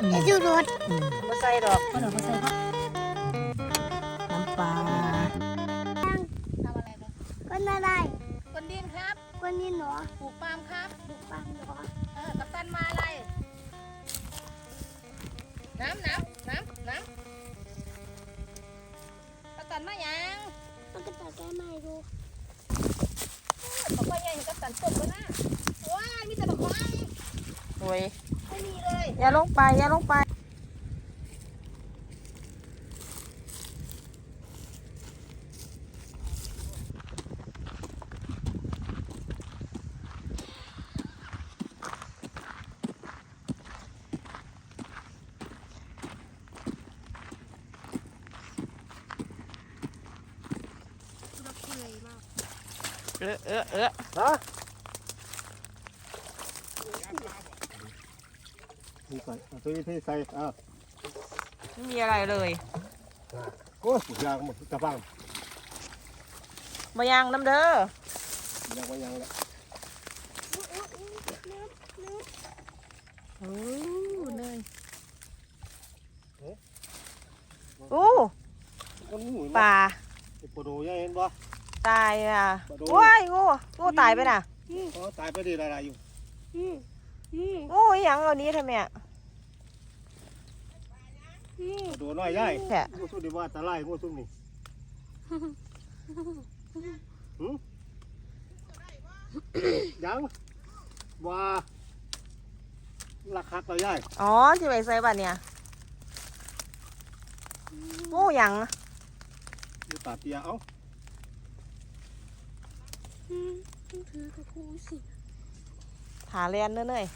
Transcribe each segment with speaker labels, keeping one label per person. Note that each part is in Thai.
Speaker 1: จะดูรถ
Speaker 2: ก็ใส่ดอก
Speaker 3: ก็เดี๋ยวเขาใส่ครับ
Speaker 2: น้ำปลา
Speaker 3: ทำอะไรกัน
Speaker 1: คนอะไร
Speaker 3: คนดินครับ
Speaker 1: คนนี้หนอ
Speaker 3: ปลูกปาล์มครับ
Speaker 1: ดูปังหนอ
Speaker 3: กัปตันมาอะไรน้ำกัปตันมายัง
Speaker 1: มันก็ตัดแก้ไม่ดู
Speaker 3: บอกว่ายังกัปตันตกแล้วนะว้ายมีแต่ดอกไม้
Speaker 2: โอ้ย
Speaker 3: ไม่มีเลย
Speaker 2: อย่าลงไปอย่าลงไปฮะ
Speaker 4: นี่ก่อนเอาตัวนี้ที่ใส่
Speaker 2: ไม่มีอะไรเลย
Speaker 4: โอ้ยยางหมดกระปัง
Speaker 2: มายังน้ำเด้อย
Speaker 4: างยางแล้ว
Speaker 2: โอ้เลยโอ้
Speaker 4: คนหมู
Speaker 2: ปลา
Speaker 4: ปโดยังเห็นบ่
Speaker 2: ตายอ่ะว้ายงูตายไปน่ะ
Speaker 4: อ๋อตายไปดีอะไรอยู่
Speaker 2: งูอีหยังเอานี้ทำไมอ่ะ
Speaker 4: ปโดน้อยใหญ่
Speaker 2: แค่
Speaker 4: งูสู้ดีว่าตะไลงูสู้นี่ยังว่าราคาต่อใหญ่
Speaker 2: อ๋อที่ไปใส่บัตเนี่ยงูหยัง
Speaker 4: ดูตาเตียเอ้า
Speaker 1: ถือกระพูสิ
Speaker 2: หาเรียนเนื่อย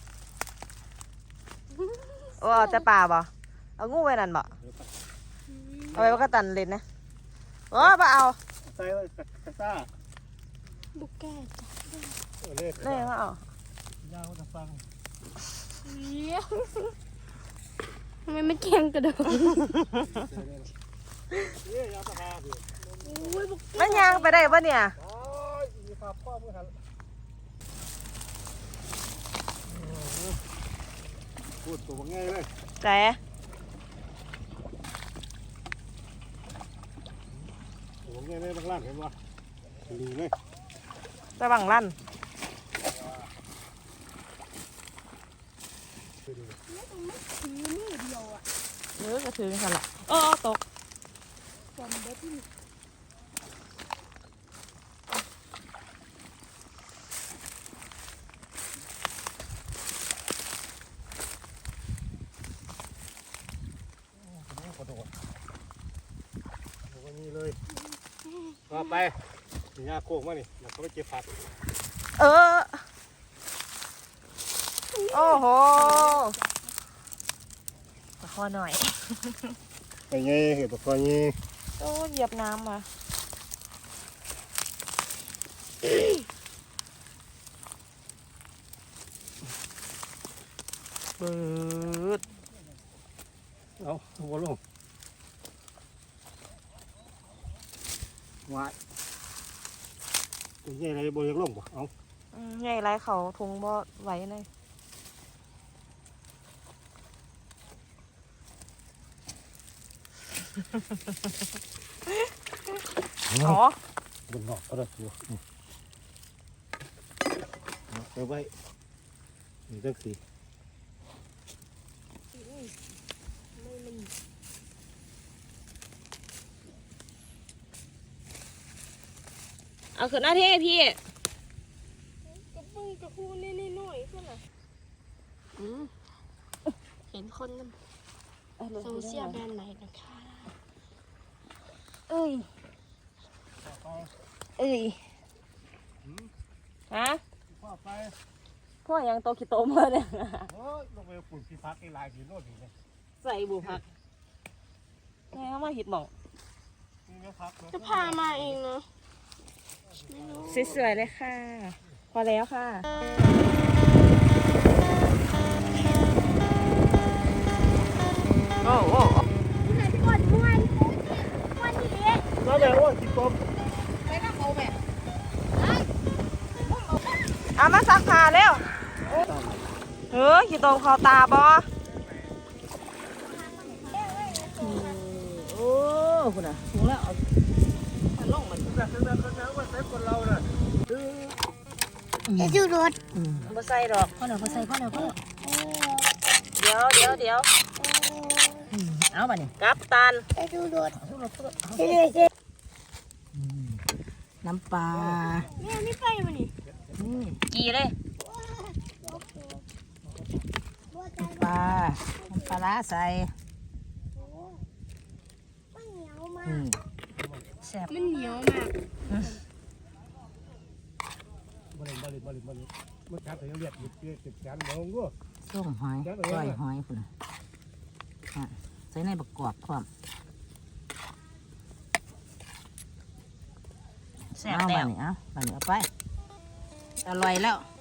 Speaker 2: โอ้เอาแต่ปลาบ่เอางูไว้นั่นบ่เอาไว้ว่าก็ตันเล่นนะโอ้บ่เอา
Speaker 4: ใส่ไว้กระซ่า
Speaker 1: บุกแก้จ้ะ
Speaker 4: เล่น
Speaker 2: เล่นว่าเอา
Speaker 4: ยาวจะฟัง
Speaker 1: ทำไมไม่เก่งกระโดด
Speaker 4: นี่ยาวตะพาดิ
Speaker 2: มันยางไปได้ปะเนี่ย
Speaker 4: โอ้ยมีภาพพ่อมือหันพูดตัวง่ายเลย
Speaker 2: แต่
Speaker 4: ตัวง่ายเลยบางล่างเห็นป่ะดีเลย
Speaker 2: ระวังลั่นก็ถือกันละตก
Speaker 4: กระโดดตัวนี้เลยก็ไปยาโค้งมานี่แล้วก็ไปเก็บผัก
Speaker 2: โอ้โหตะคอหน่อย
Speaker 4: ไปไงเห็ดตัวนี้
Speaker 2: โอ้เหยียบน้ำมาเบิด
Speaker 4: เอาบอลลงวายตัวใหญ่อะไรบอลยังลงป่ะเอา
Speaker 2: ใหญ่ไรเขาทุงบ่ไหวเลยอ๋อบ
Speaker 4: นนอกก็ได้ตัวเอาไว้นี่ตั้งสี่
Speaker 2: เอาขึ้นหน้าที่พี่
Speaker 1: กระปุ้งกระพูนี่หน่อยเพื่อนเหรอเห็นคนนั้นส่งเสียแบรนด์ไหนนะคะเอ้ย
Speaker 2: ฮะ
Speaker 4: พ่อไป
Speaker 2: พวกยังโตคิโตมาเนี่ย
Speaker 4: โอ้ยลงไปปุ่นที่พักไอ้ลายสีโน่นนี่เลย
Speaker 2: ใส่บุพักไงเขามาหิดหมอง
Speaker 4: นี่ก็พัก
Speaker 1: จะพามาเองเนาะ
Speaker 2: สวยๆเลยค่ะ พอแล้วค่ะโอ้โอ้
Speaker 1: ไหนพี่กดม้วนนี้
Speaker 4: แล้วแบบว่าที่กบ
Speaker 3: ไปนั่งเอาแบบ
Speaker 2: เอามาซักผ้าเร็วขี้ตมคอตาบอคุณน่ะสูงแล้วเอามันลงมัน
Speaker 4: แบบนั้นว่าใส่คนเราน่ะ
Speaker 1: จะดูรถ
Speaker 2: บ่ใส่ดอก
Speaker 3: พ่อเดี๋ยวเขาใส่พ่อเดี๋ยวพ่อ
Speaker 2: เดี๋ยว
Speaker 3: เอาบ่เนี่ย
Speaker 2: กัปตัน
Speaker 1: จะดูรถ
Speaker 3: น้ำปลา
Speaker 1: เนี่ยนี่ไปมานี่
Speaker 2: กี่เลย
Speaker 3: น้ำปลาร้าใส่
Speaker 1: มันเหนียวมาก
Speaker 3: แซ่บ
Speaker 1: มันเหนียวมาก
Speaker 4: บริมันชัดแต่ยังเรียกหยุดติดกันมองกู
Speaker 3: ส้มหอยก้อยหอยคุณใส่ในบักกอกความ
Speaker 2: แซ่บ
Speaker 3: เอา
Speaker 2: แล้
Speaker 3: บ้าว นี่เอาบ้านนี้เอาไปอร่อยแล้ว